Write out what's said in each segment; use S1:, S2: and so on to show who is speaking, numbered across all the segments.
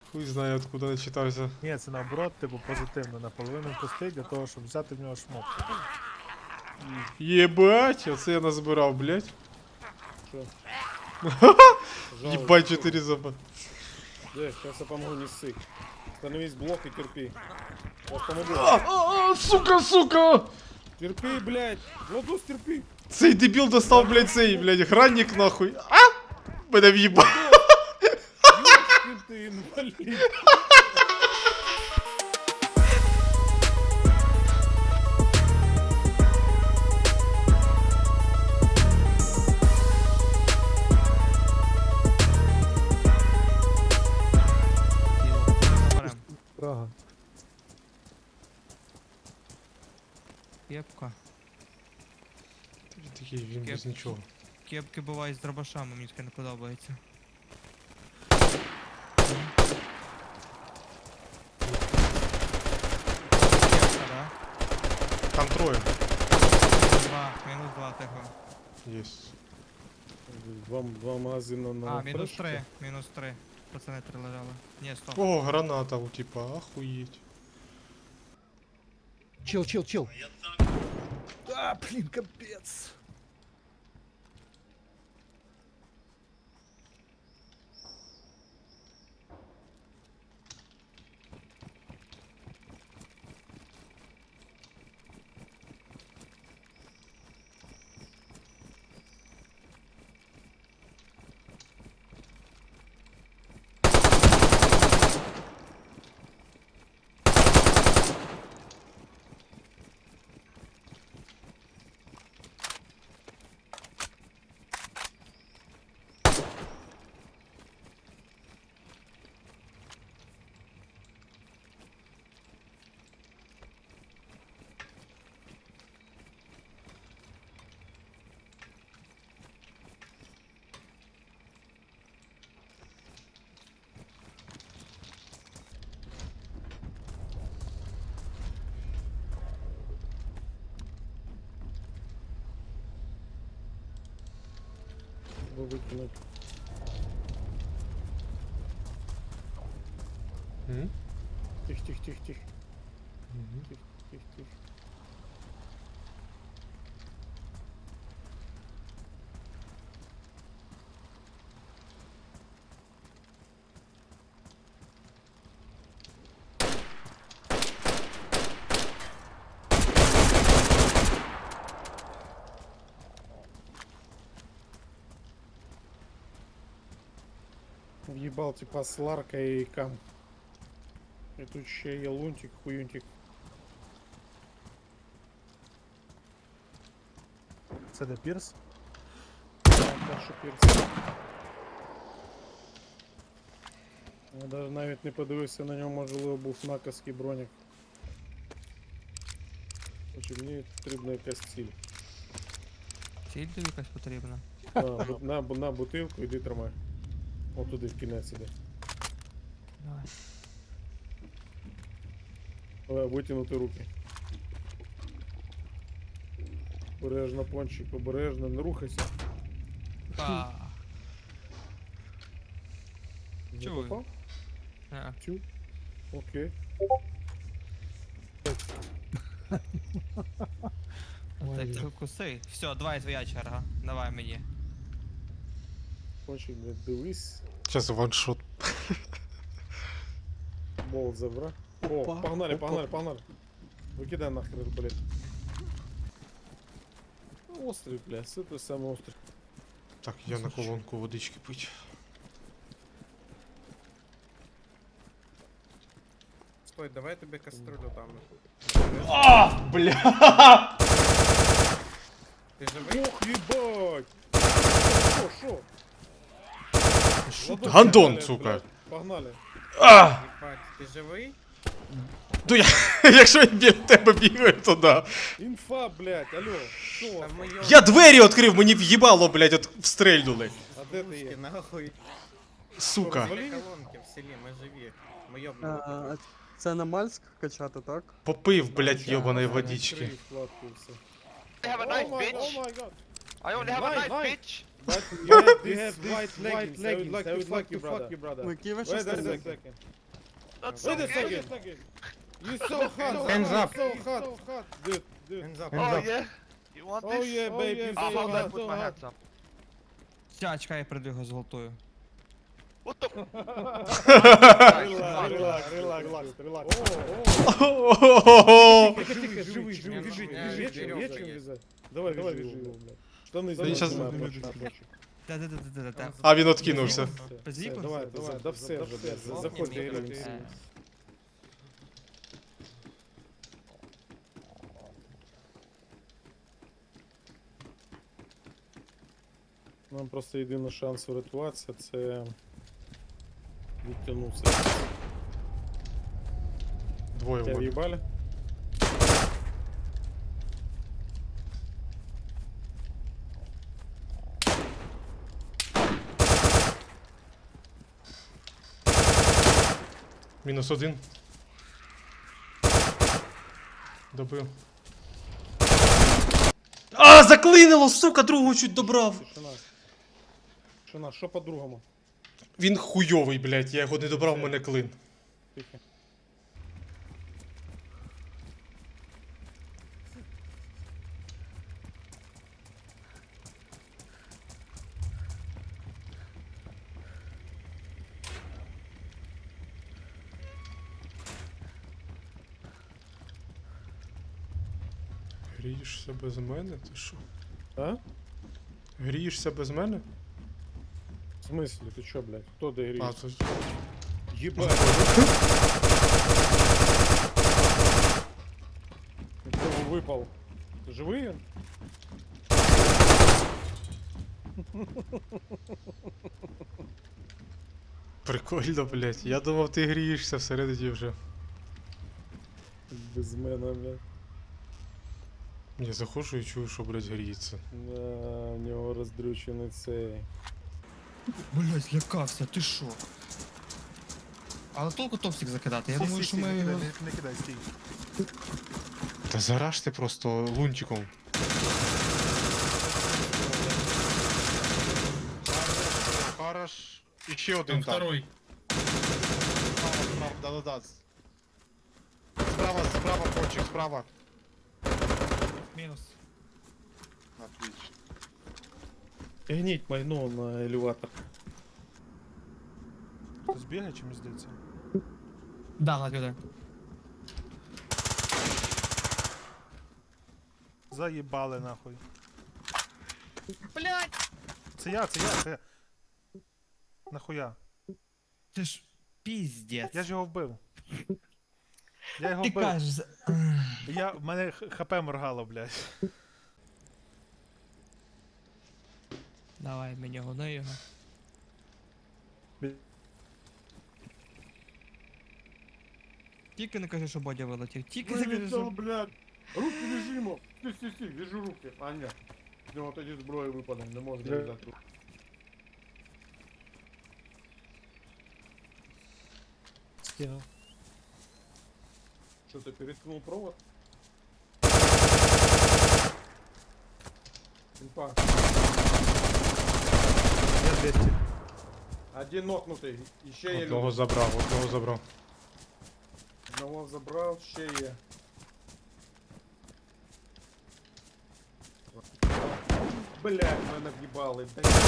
S1: Хуй знає, откуда начитався.
S2: Ні, це наоборот, типу позитивно, наполовину пустий для того, щоб взяти в нього шмот.
S1: Єбать, оце я назбирав, блядь.
S3: Что?
S1: Ебать, 4 зуба.
S3: Сейчас я помогу, не ссы. Становись блок и терпи. Вот помогу.
S1: Сука, сука!
S3: Терпи, блядь. Владус, терпи.
S1: Цей дебіл достав, блядь, цей, блядь, гранник нахуй. А! Мене в'їбав.
S3: Ёшкин ты, инвалид.
S2: Прага.
S4: Кепка.
S1: Такий він без нічого.
S4: Кепки бувають з дробашами, мені таке не подобається. Кепка, да?
S1: Там троє.
S4: Мінус два тихо.
S1: Єсть.
S3: Два магазина на
S4: А, мінус
S3: фрешку.
S4: три, мінус три. Пацани три лежали. Ні, стоп.
S1: О, граната у типа, охуеть.
S2: Чил. А, блін, капець.
S3: Выкинуть.
S1: М?
S3: Тихо.
S1: Мгм.
S3: Тихо. Въебал типа с ларкой и кам. И тут еще и лунтик, хуюнтик.
S2: Це де Пірс?
S3: Перший пірс. Я даже навіть не подивився на ньому, можливо, був накаський бронік. Короче, мені потрібна якась ціль.
S4: Ціль тобі якась потрібна.
S3: На бутилку, іди тримай. О, туди в кінець іди.
S4: Давай.
S3: Витягнути руки. Обережно, пончик, обережно, не рухайся.
S4: Та.
S3: Не
S4: Чую.
S3: попав?
S4: Е.
S3: Чу. Окей.
S4: Так ти куси. Все, давай твоя черга. Давай мені.
S3: Пончик, блядь, дивись.
S1: Сейчас ваншот.
S3: Болт забра. О,
S2: Опа,
S3: погнали,
S2: опа.
S3: погнали. Выкидай нахрен, блядь. Острый, блядь, это самый острый.
S1: Так, я на колонку водички пить.
S5: Стой, давай я тобі каструлю дам.
S1: А, бля!
S5: Ти живий?
S3: Ох, ебать! Шо? Ладошки
S1: Гандон,
S3: дали,
S1: сука.
S3: блядь. Погнали.
S1: А!
S5: Єбать, ти живий?
S1: Ну я, якщо я біля тебе бігаю, то да.
S3: Інфа, блядь, алло. Шо?
S5: Та ми його...
S1: Я двері відкрив, мені в'їбало, блядь, от встрельнули.
S3: А де ти
S5: Пушки,
S3: є?
S5: нахуй.
S1: Сука.
S5: Біля колонки в селі, ми живі. Ми йобнули.
S6: А, це на Мальськ качати, так?
S1: Попив, блядь, йобаної водички.
S3: Відкрий вкладку і все.
S7: I have a
S3: Oh
S7: knife,
S3: my,
S7: bitch.
S3: oh my god.
S7: I only have a
S3: Knife,
S7: knife,
S3: knife.
S7: bitch.
S3: But you have white leggings. I would like to fuck you, brother.
S6: Ну, які ви
S3: Wait
S6: щас
S3: a
S6: там?
S3: second. Wait a second. You so hot.
S5: Hands up.
S3: So hot. Dude.
S5: Hands up.
S7: Oh yeah? You want
S3: Oh
S7: this?
S3: yeah, babe. You
S7: Ah,
S3: so
S7: hold on,
S3: hot.
S7: put my hands up.
S4: Ща, чекай, я прийду його зґвалтую.
S7: What the?
S3: Relax. Живи. Давай, вяжи его, блядь. Штаны
S1: він щас-
S3: снимай.
S4: Та-та-та-та-та.
S1: А він откинувся.
S4: Без
S3: Все,
S4: віку?
S3: давай, да все вже, блядь, заходь, доіграємося. Нам просто єдиний шанс врятуватися, це відтягнутися.
S1: Двоє
S3: Тебя
S1: в
S3: в'їбали?
S1: Мінус один. Добив. А, заклинило, сука, другого чуть добрав.
S3: Тишина, що по-другому?
S1: Він хуйовий, блядь, я його не добрав, в мене клин.
S3: Тихо.
S1: Грієшся без мене? Ти що?
S3: А?
S1: Грієшся без мене?
S3: В смысле, ты чё, блядь? Кто
S1: А,
S3: доиграется?
S1: то...
S3: Ебать! Кто выпал? Живые?
S1: Прикольно, блядь. Я думав, ти грієшся всередині вже.
S3: Без мене, блядь.
S1: Я заходжу і чую, що, блядь, гріється.
S3: Да, у нього роздрючений цей.
S4: Блять, злякався, ти що? Але толку топсик закидати, я думаю, що ми його...
S2: Не кидай, стій.
S1: Та зараж ти просто лунтиком.
S8: Хорош. І ще один там. Второй. Справа, да-да-да. Справа, почек, справа.
S4: Мінус.
S8: Отлично.
S3: Гніть майно на елеватор.
S2: Хтось бігає чи мені здається?
S4: Да, на люди.
S2: Заїбали нахуй.
S4: Блять!
S2: Це я. Нахуя?
S4: Ти ж піздець.
S2: Я ж його вбив. Я його
S4: Ти
S2: вбив.
S4: кажеш...
S2: В мене хп моргало, блядь.
S4: Давай, мені гони його. Тільки не кажи, що Бодя вилетів. Тільки не кажи, що...
S3: блядь! Руки вяжимо! Стій, вяжу руки. А, ні. З нього тоді зброя випаде, не можна в'язати руки.
S2: Скинув.
S3: Що ти переткнув провод? Инфа.
S2: Я 200.
S3: Один нокнутий, і ще є
S1: Одного
S3: люди.
S1: забрав, одного забрав.
S3: Одного забрав, ще є. Блядь, мене в'їбали.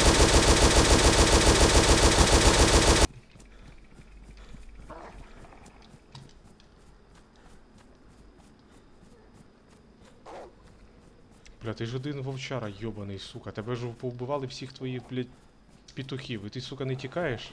S1: Бля, ти ж один вовчара, йобаний, сука. Тебе ж повбивали всіх твоїх, блядь, петухів. І ти, сука, не тікаєш?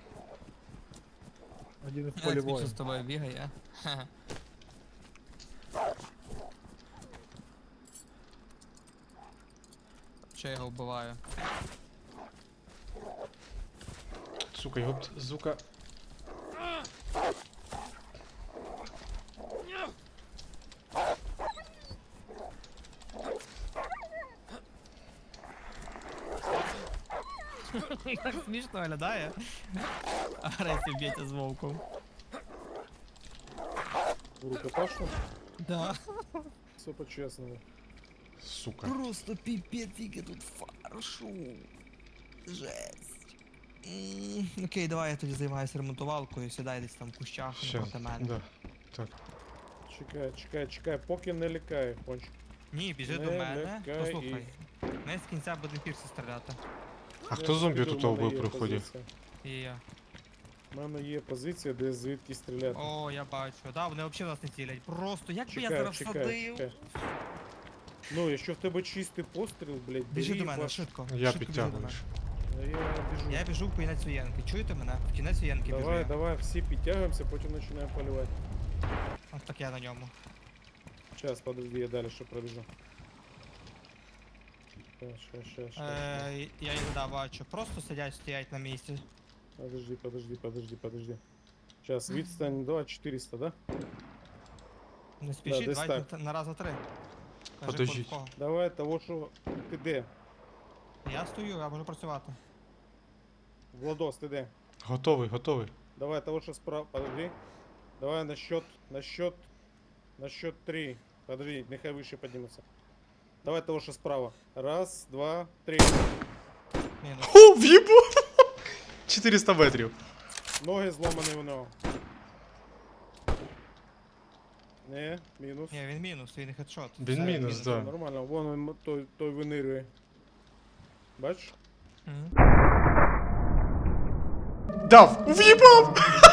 S2: Один в
S4: Я
S2: полі
S4: смішно
S2: воїн.
S4: з тобою бігає. Ха-ха. Що я його вбиваю?
S1: Сука, його б, сука.
S4: Так смішно виглядає. Агресію б'ється з вовком.
S3: Рукопашно?
S4: Да.
S3: Все по-чесному.
S1: Сука.
S4: Просто піпець, яке тут фаршу. Жесть. Окей, давай я тоді займаюся ремонтувалкою, сідай десь там в кущах
S1: Ще,
S4: проти мене.
S1: да. Так.
S3: Чекай, поки не лякає, кончик.
S4: Ні, біжи
S3: Не
S4: до мене,
S3: лякай
S4: послухай. Ми з кінця будемо пірси стріляти.
S1: А хто зомбі
S3: піду,
S1: тут
S3: в мене
S1: вбив
S3: є
S1: при вході?
S3: позиція.
S4: І я.
S3: У мене є позиція, де звідки стріляти.
S4: О, я бачу. Да, вони взагалі нас не цілять. Просто як би я зараз всадив.
S3: Ну, якщо в тебе чистий постріл, блядь,
S4: Біжи
S3: бери
S4: до мене,
S3: ваш-
S4: швидко.
S1: Я
S4: швидко біжи до
S1: підтягуюсь.
S4: мене.
S3: Я біжу.
S4: Я біжу в кінець воєнки. Чуєте мене? В кінець воєнки біжу.
S3: Давай,
S4: я.
S3: давай, всі підтягуємося, потім починаємо полювати.
S4: От так я на ньому.
S3: Сейчас, подожди, я далі ще пробіжу. Щас.
S4: Я їх да, бачу. Просто стоять на місці.
S3: Подожди. Сейчас, відстань 2400, да?
S4: Не спішіть,
S3: десь
S4: давайте
S3: так.
S4: на раз на три. Кажи,
S1: Подождіть.
S4: кого.
S3: Давай того, що ти де?
S4: Я стою, я можу працювати.
S3: Владос, ти де?
S1: Готовий.
S3: Давай того, що справа. Подожди. Давай на счет 3. Подожди, нехай вище підніметься. Давай того, що справа. Раз, два, три.
S4: Мінус.
S1: О, в'їбу! 400 метрів.
S3: Ноги зломані у нього. Не, мінус.
S4: Ні, він мінус, він хедшот.
S1: Він
S4: Все,
S1: мінус, да.
S3: Нормально, вон він, той винирює. Бачиш?
S4: Мгм.
S1: Дав! В'їбав!